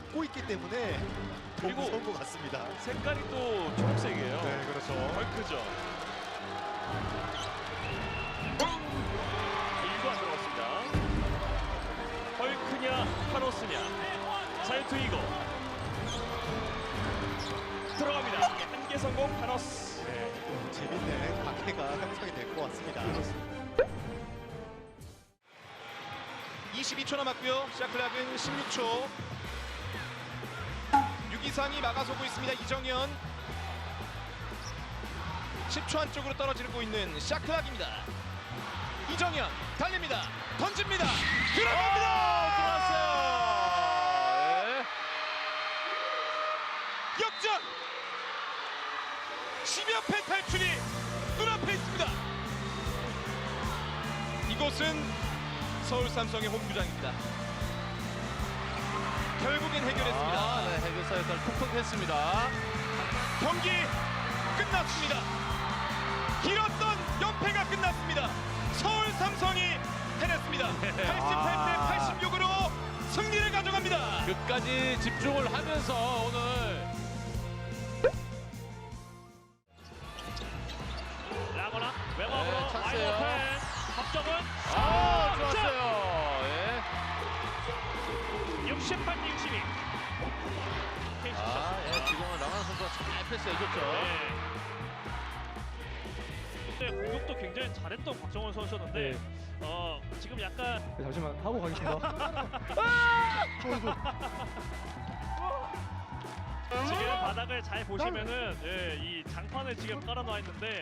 먹고 있기 때문에 그리고 무서운 것 같습니다. 색깔이 또 초록색이에요. 네, 그렇죠. 헐크죠. 1구 안 들어갔습니다. 헐크냐 타노스냐. 자유투 2구 들어갑니다. 한개 성공 타노스. 네, 재밌는 관계가 형성이 될 것 같습니다. 22초 남았고요. 샤클락은 16초. 유기상이 막아서고 있습니다. 이정현. 10초 안쪽으로 떨어지고 있는 샤클락입니다. 이정현 달립니다. 던집니다. 들어갑니다. 들어왔어요. 역전. 10여 패 탈출이 눈앞에 있습니다. 이곳은 서울 삼성의 홈구장입니다. 결국엔 해결했습니다. 네, 해결사 역할 톡톡 했습니다. 경기 끝났습니다. 길었던 연패가 끝났습니다. 서울 삼성이 해냈습니다. 88대 86으로 승리를 가져갑니다. 끝까지 집중을 하면서 오늘 라거나 외곽으로 네, 찬스예요. 와이드 합점은 좋았어요. 예. 68대 62. 예, 지금은 라마나 선수가 잘 패스해줬죠. 네, 공격도 굉장히 잘했던 박정원 선수였는데 지금 약간 잠시만 하고 가겠습니다. 지금 바닥을 잘 보시면은 이 장판을 지금 깔아놔 있는데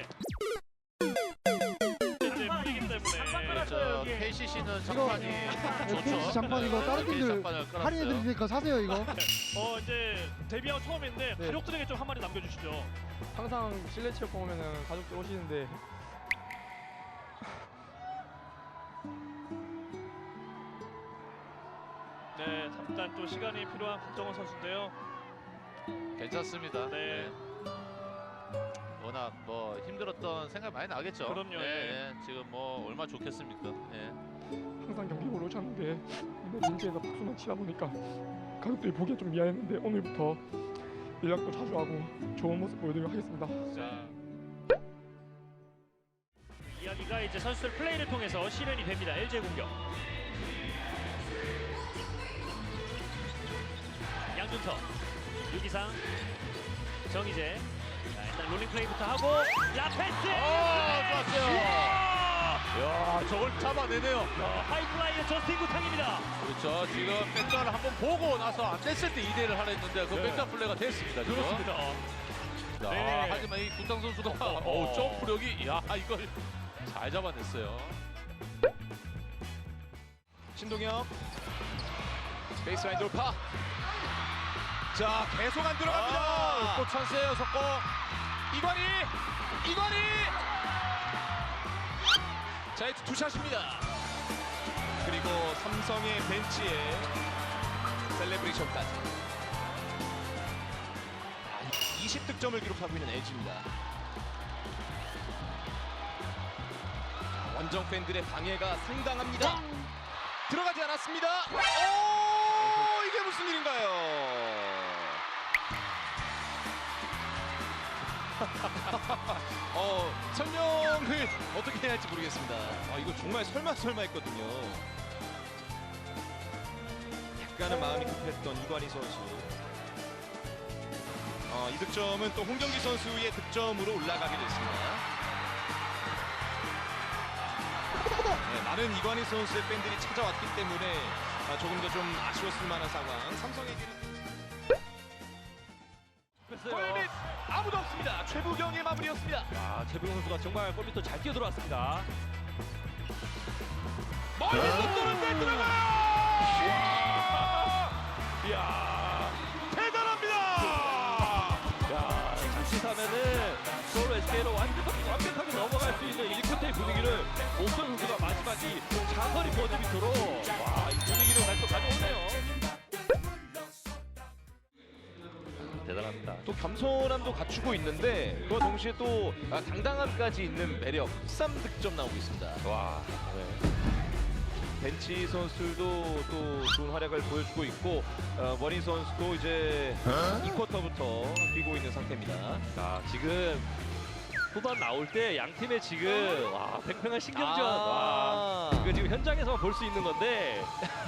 이제 풀리기 때문에 그렇죠. KCC는 장판이 좋죠. KCC 장판 이거 다른 KCC 팀들 장판을 깔았어요. 할인해 드리니까 사세요 이거. 이제 데뷔하고 처음인데 네. 가족들에게 좀 한마디 남겨주시죠. 항상 실내 체육관 오면은 가족들 오시는데 네, 잠깐 또 시간이 필요한 박정원 선수인데요. 괜찮습니다. 네. 워낙 뭐 힘들었던 생각 많이 나겠죠. 그럼요, 예. 지금 뭐 얼마 좋겠습니까. 예. 항상 경기 보러 오셨는데 이번 민지에서 박수만 치다 보니까 가족들이 보기엔 좀 미안했는데 오늘부터 연락도 자주 하고 좋은 모습 보여드리도록 하겠습니다. 자, 이야기가 이제 선수들 플레이를 통해서 실현이 됩니다. LG의 공격. 양준터, 유기상, 정희재. 자, 일단 롤링 플레이부터 하고 라페스. 좋았어요. 야, 저걸 잡아내네요. 하이플라이의 저스틴 구탕입니다. 그렇죠. 지금 백단을 한번 보고 나서 안 됐을 때 2대1을 하려 했는데 그 백단 플레이가 됐습니다. 지금. 그렇습니다. 자, 네. 하지만 이 구탕 선수가 점프력이 이걸 잘 잡아냈어요. 신동엽 베이스라인 돌파. 자, 계속 안 들어갑니다. 또 찬스예요, 석고. 이관희. 자, 이제 투샷입니다. 그리고 삼성의 벤치에 셀레브레이션까지. 20득점을 기록하고 있는 LG입니다. 원정 팬들의 방해가 상당합니다. 들어가지 않았습니다. 오, 이게 무슨 일인가요? 설명을 어떻게 해야 할지 모르겠습니다. 이거 정말 설마 했거든요. 약간은 마음이 급했던 이관희 선수. 이 득점은 또 홍정기 선수의 득점으로 올라가게 됐습니다. 네, 많은 이관희 선수의 팬들이 찾아왔기 때문에 조금 더 좀 아쉬웠을 만한 상황. 삼성에게는 골밑 아무도 없습니다. 최부경의 마무리였습니다. 최병 선수가 정말 골밑도 잘 뛰어 들어왔습니다. 멀리서 쏘는데 들어가요! 이야, 대단합니다! 자칫하면은 서울 SK로 완벽하게 넘어갈 수 있는 1쿼터의 분위기를 옥선 선수가 마지막에 자선이 버티도록 이 분위기를 가져오네요. 대단합니다. 또 겸손함도 갖추고 있는데 그와 동시에 또 당당함까지 있는 매력. 13득점 나오고 있습니다. 와. 벤치 선수들도 또 좋은 활약을 보여주고 있고 머린 선수도 이제 2쿼터부터 뛰고 있는 상태입니다. 자, 지금 후반 나올 때 양 팀의 지금 와, 팽팽한 신경전 와, 이거 지금 현장에서만 볼 수 있는 건데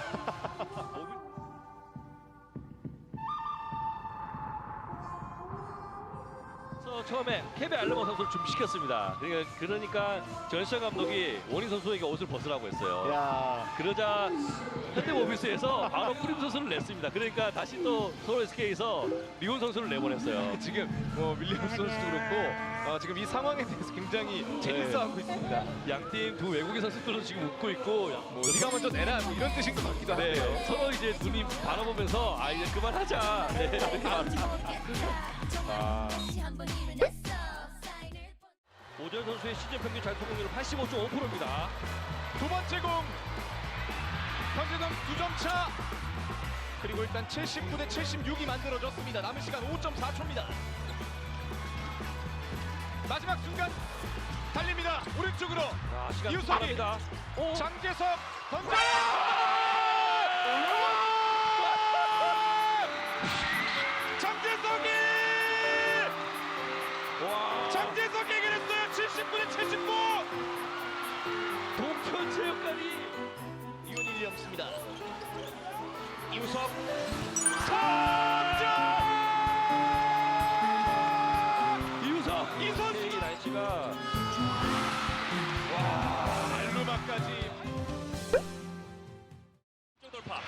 처음에 케베 알르머 선수를 준비시켰습니다. 그러니까 전시현 감독이 원희 선수에게 옷을 벗으라고 했어요. 야, 그러자 현대모비스에서 바로 프림 선수를 냈습니다. 그러니까 다시 또 서울 SK에서 리온 선수를 내보냈어요. 지금 윌리엄스 선수도 그렇고 지금 이 상황에 대해서 굉장히 재밌어하고 있습니다. 양팀 두 외국인 선수들은 지금 웃고 있고 뭐 네가 먼저 내라 뭐 이런 뜻인 것 같기도 네, 한데요. 서로 이제 눈이 바라보면서 아 이제 그만하자. 네, 이렇게 말합니다. 오전 선수의 시즌 평균 잘투공률은 85.5%입니다. 두 번째 공 현재점 2점 차. 그리고 일단 79대 76이 만들어졌습니다. 남은 시간 5.4초입니다. 마지막 순간 달립니다. 오른쪽으로 자, 시간 이우석이 빠릅니다. 오, 장재석 던져! 장재석이! 와, 장재석이 해결했어요. 79대 79. 동편체육관이 이온 윌리엄스입니다. 이우석 석점! 이우석 이 선수! 날씨가 알루마까지 돌파.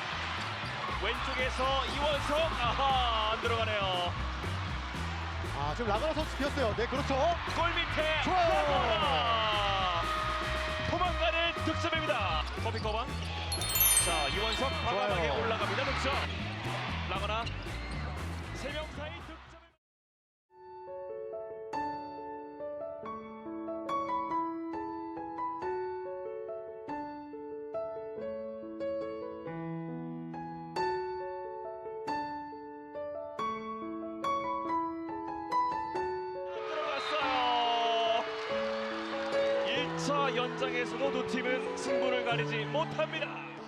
왼쪽에서 이원석 아하 안 들어가네요. 아, 지금 라가나 선수 비었어요. 네, 그렇죠. 골 밑에 좋아요. 도망가는 득점입니다. 커비 커방. 자 이원석 과감하게 좋아요. 올라갑니다. 득점. 라거나 3명 사이 득점. 들어갔어요. 1차 연장에서도 두 팀은 승부를 가리지 못합니다.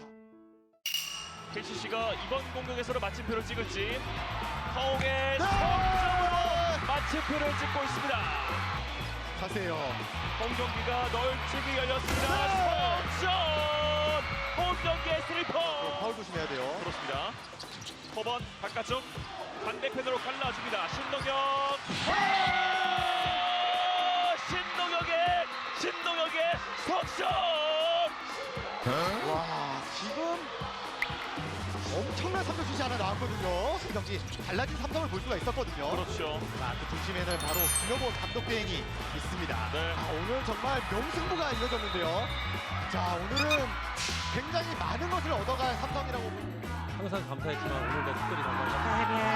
KCC가 이번 공격에서도 마침표를 찍을지 허웅의 석점으로 마침표를 찍고 있습니다. 가세요. 홈경기가 널찍이 열렸습니다. 석점! 홈경기의 스리퍼! 파울 조심해야 돼요. 그렇습니다. 커번 바깥쪽 반대편으로 갈라줍니다. 신동혁! 신동혁의 석점! 와, 지금 엄청난 3점슛이 하나 나왔거든요. 이 경기 달라진 삼성을 볼 수가 있었거든요. 그렇죠. 자, 그 중심에는 바로 김여보 감독 대행이 있습니다. 네. 아, 오늘 정말 명승부가 이어졌는데요. 자, 오늘은 굉장히 많은 것을 얻어갈 삼성이라고 봅니다. 항상 감사했지만 오늘도 특별히 감사합니다.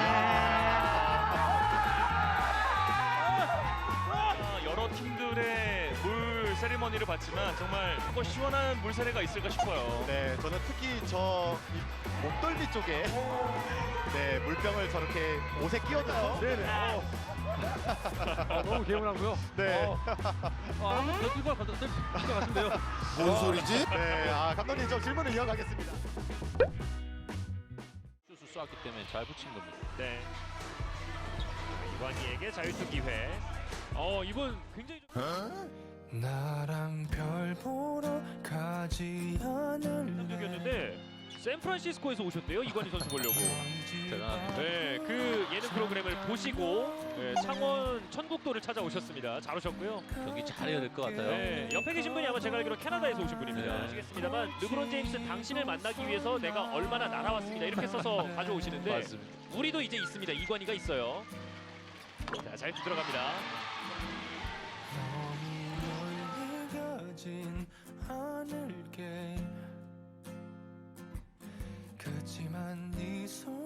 여러 팀들의 물 세리머니를 봤지만 정말 뭐 시원한 물 세례가 있을까 싶어요. 네, 저는 특히 저 목덜미 쪽에 네, 물병을 저렇게 옷에 끼워둔 선수. 네네. 너무 개운하고요. 네. 더 뛰고 갈것 같은데요. 뭔 소리지? 네, 아, 감독님 저 질문을 이어가겠습니다. 슛을 쐈기 때문에 잘 붙인 겁니다. 네. 이관희에게 자유투 기회. 이번 굉장히 나랑 별 보러 가지 않을래. 적이었는데 샌프란시스코에서 오셨대요. 이관희 선수 보려고. 대단합니다. 네, 그 예능 프로그램을 보시고 창원 천국도를 찾아오셨습니다. 잘 오셨고요. 경기 잘해야 될 것 같아요. 네, 옆에 계신 분이 아마 제가 알기로 캐나다에서 오신 분입니다. 네. 아시겠습니다만 르브론 제임스 당신을 만나기 위해서 내가 얼마나 날아왔습니다. 이렇게 써서 가져오시는데 맞습니다. 우리도 이제 있습니다. 이관희가 있어요. 자, 잘 들어갑니다. 너무 멀리 가진 않을게. 그치만 네 손